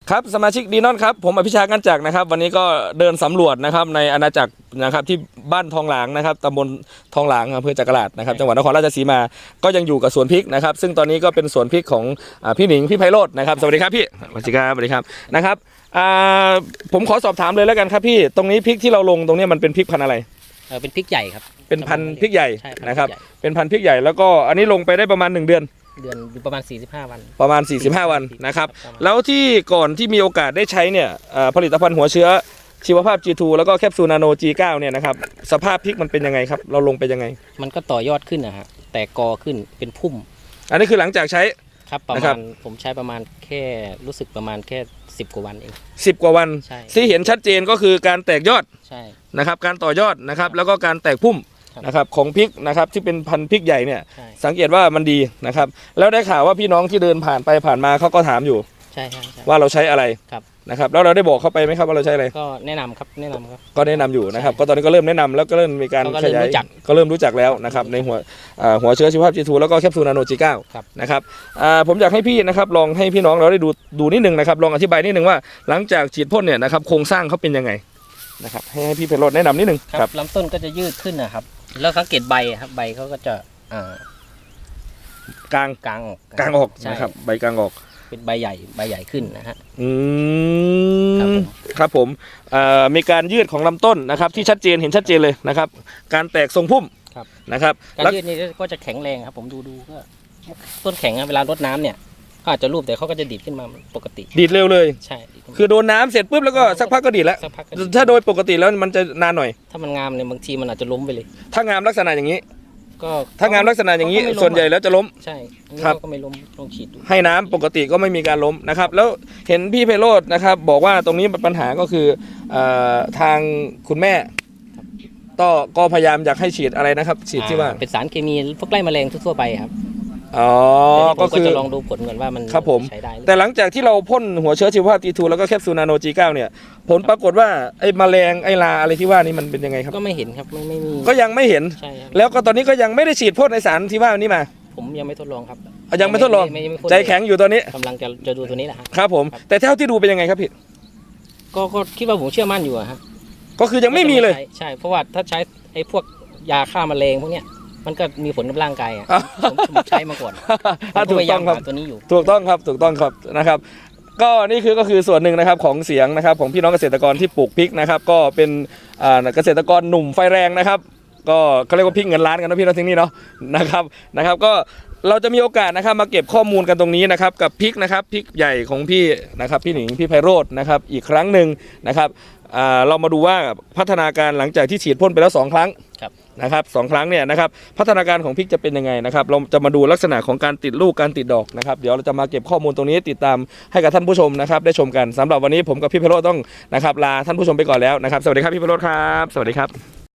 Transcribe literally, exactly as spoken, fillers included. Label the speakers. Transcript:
Speaker 1: ครับสมาชิกดีนอนครับผมอภิชาติกันจักรนะครับวันนี้ก็เดินสำรวจนะครับในอาณาจักรนะครับที่บ้านทองหลางนะครับตำบลทองหลางอำเภอจักราชนะครับจังหวัดนครราชสีมาก็ยังอยู่กับสวนพริกนะครับซึ่งตอนนี้ก็เป็นสวนพริกของพี่หนิงพี่ไพโรจน์นะครับสวัสดีครับพี่สวัสดีครับสวัสดีครับนะครับผมขอสอบถามเลยแล้วกันครับพี่ตรงนี้พริกที่เราลงตรงนี้มันเป็นพริกพันธุ์อะไร
Speaker 2: เออเป็นพริกใหญ่ครับ
Speaker 1: เป็นพันธุ์พริกใหญ่นะครับเป็นพันธุ์พริกใหญ่แล้วก็อันนี้ลงไปได้ประมาณหนึ่งเดือน
Speaker 2: เดือนอยู่ประมาณสี่สิบห้าวัน
Speaker 1: ประมาณสี่สิบห้าวันนะครับแล้วที่ก่อนที่มีโอกาสได้ใช้เนี่ยผลิตภัณฑ์หัวเชื้อชีวภาพ จี ทู แล้วก็แคปซูลนาโน จี เก้า เนี่ยนะครับสภาพพริกมันเป็นยังไงครับเราลงไปยังไง
Speaker 2: มันก็ต่อยอดขึ้นนะฮะแต่กอขึ้นเป็นพุ่ม
Speaker 1: อันนี้คือหลังจากใช้
Speaker 2: ครับประมาณผมใช้ประมาณแค่รู้สึกประมาณแค่สิบกว่าวันเอง
Speaker 1: สิบกว่าวันที่เห็นชัดเจนก็คือการแตกยอด
Speaker 2: ใช่
Speaker 1: นะครับการต่อยอดนะครับแล้วก็การแตกพุ่มนะครับของพริกนะครับที่เป็นพันธุ์พริกใหญ่เนี่ยสังเกตว่ามันดีนะครับแล้วได้ข่าวว่าพี่น้องที่เดินผ่านไปผ่านมาเขาก็ถามอยู่
Speaker 2: ใช่ใช่
Speaker 1: ว่าเราใช้อะไรนะครับแล้วเราได้บอกเขาไปไหมครับว่าเราใช้อะไร
Speaker 2: ก็แนะนำครับแนะนำครับ
Speaker 1: ก็แนะนำอยู่นะครับก็ตอนนี้ก็เริ่มแนะนำแล้วก็เริ่มมีการขยายก็เริ่มรู้จักแล้วนะครับในหัวหัวเชื้อชีวภาพ จี ทู แล้วก็แคปซูลนาโน จี เก้า นะครับผมอยากให้พี่นะครับลองให้พี่น้องเราได้ดูดูนิดนึงนะครับลองอธิบายนิดนึงว่าหลังจากฉีดพ่นเนี่ยนะครับโครงสร้างเขาเป็นยังไงนะครับให้พี่ไพโรจน์แนะนำนิดนึง
Speaker 2: ครับลำต้นก็จะยืดขึ้นนะครับแล้วสังเกตใบครับใบเขาก็จะ
Speaker 1: กลาง
Speaker 2: กลางออก
Speaker 1: กลางออกนะครับใบกลางออก
Speaker 2: เป็นใบใหญ่ใบใหญ่ขึ้นนะฮะ
Speaker 1: อืมครับผมมีการยืดของลำต้นนะครับที่ชัดเจนเห็นชัดเจนเลยนะครับการแตกทรงพุ่มนะครับ
Speaker 2: การยืดนี้ก็จะแข็งแรงครับผมดูดูก็ต้นแข็งเวลารดน้ำเนี่ยก็อาจจะรูปแต่เขาก็จะดีดขึ้นมาปกติ
Speaker 1: ดีดเร็วเลย
Speaker 2: ใช่
Speaker 1: คือโดนน้ำเสร็จปุ๊บแล้วก็สักพักก็ดีดแล้วถ้าโดยปกติแล้วมันจะนานหน่อย
Speaker 2: ถ้ามันงามเนี่ยบางทีมันอาจจะล้มไปเลย
Speaker 1: ถ้างามลักษณะอย่างนี้
Speaker 2: ก็
Speaker 1: ถ้างามลักษณะอย่างนี้ส่วนใหญ่แล้วจะล้ม
Speaker 2: ใช่ครับก็ไม่ล้มลองฉีดดู
Speaker 1: ให้น้ำปกติก็ไม่มีการล้มนะครับแล้วเห็นพี่ไพโรจน์นะครับบอกว่าตรงนี้ปัญหาก็คือทางคุณแม่ก็ก็พยายามอยากให้ฉีดอะไรนะครับฉีดที่ว่า
Speaker 2: เป็นสารเคมีพวกไล่แมลงทั่วไปครับ
Speaker 1: อ๋อก็คือ
Speaker 2: จะลองดูผลก่อนว่ามัน
Speaker 1: ใช้ได้แต่หลังจากที่เราพ่นหัวเชื้อชีวภาพ จี ทู แล้วก็แคปซูลนาโน จี เก้า เนี่ยผลปรากฏว่าไอ้แมลงไอ้ลาอะไรที่ว่านี่มันเป็นยังไงครับ
Speaker 2: ก็ไม่เห็นครับไม่ไม่มี
Speaker 1: ก็ยังไม่เห็นแล้วก็ตอนนี้ก็ยังไม่ได้ฉีดพ่นในสารที่ว่านี้มา
Speaker 2: ผมยังไม่ทดลองครับ
Speaker 1: ยังไม่ทดลองใจแข็งอยู่ตอนนี้
Speaker 2: กำลังจะจะดูตัวนี้แหละ
Speaker 1: ครับผมแต่เท่าที่ดูเป็นยังไงครับพี่
Speaker 2: ก็ก็คิดว่าผมเชื่อมั่นอยู่อะฮะ
Speaker 1: ก็คือยังไม่มีเลย
Speaker 2: ใช่เพราะว่าถ้าใช้ไอ้พวกยาฆ่าแมลงพวกเนี้ยมันก็มีผลกับร่างกายอ่ะผมใช้มาก่อน
Speaker 1: ถูกต้องครับ
Speaker 2: ตัวนี้อยู่
Speaker 1: ถูกต้องครับถูกต้องครับนะครับก็นี่คือก็คือส่วนหนึ่งนะครับของเสียงนะครับของพี่น้องเกษตรกรที่ปลูกพริกนะครับก็เป็นเกษตรกรหนุ่มไฟแรงนะครับก็เขาเรียกว่าพริกเงินล้านกันนะพี่น้องที่นี่เนาะนะครับนะครับก็เราจะมีโอกาสนะครับมาเก็บข้อมูลกันตรงนี้นะครับกับพริกนะครับพริกใหญ่ของพี่นะครับพี่หนิงพี่ไพโรจน์นะครับอีกครั้งหนึ่งนะครับเรามาดูว่าพัฒนาการหลังจากที่ฉีดพ่นไปแล้วสองครั้งนะครับสองครั้งเนี่ยนะครับพัฒนาการของพริกจะเป็นยังไงนะครับเราจะมาดูลักษณะของการติดลูกการติดดอกนะครับเดี๋ยวเราจะมาเก็บข้อมูลตรงนี้ติดตามให้กับท่านผู้ชมนะครับได้ชมกันสำหรับวันนี้ผมกับพี่ไพโรจน์ต้องนะครับลาท่านผู้ชมไปก่อนแล้วนะครับสวัสดีครับพี่ไพโรจน์ครับสวัสดีครับ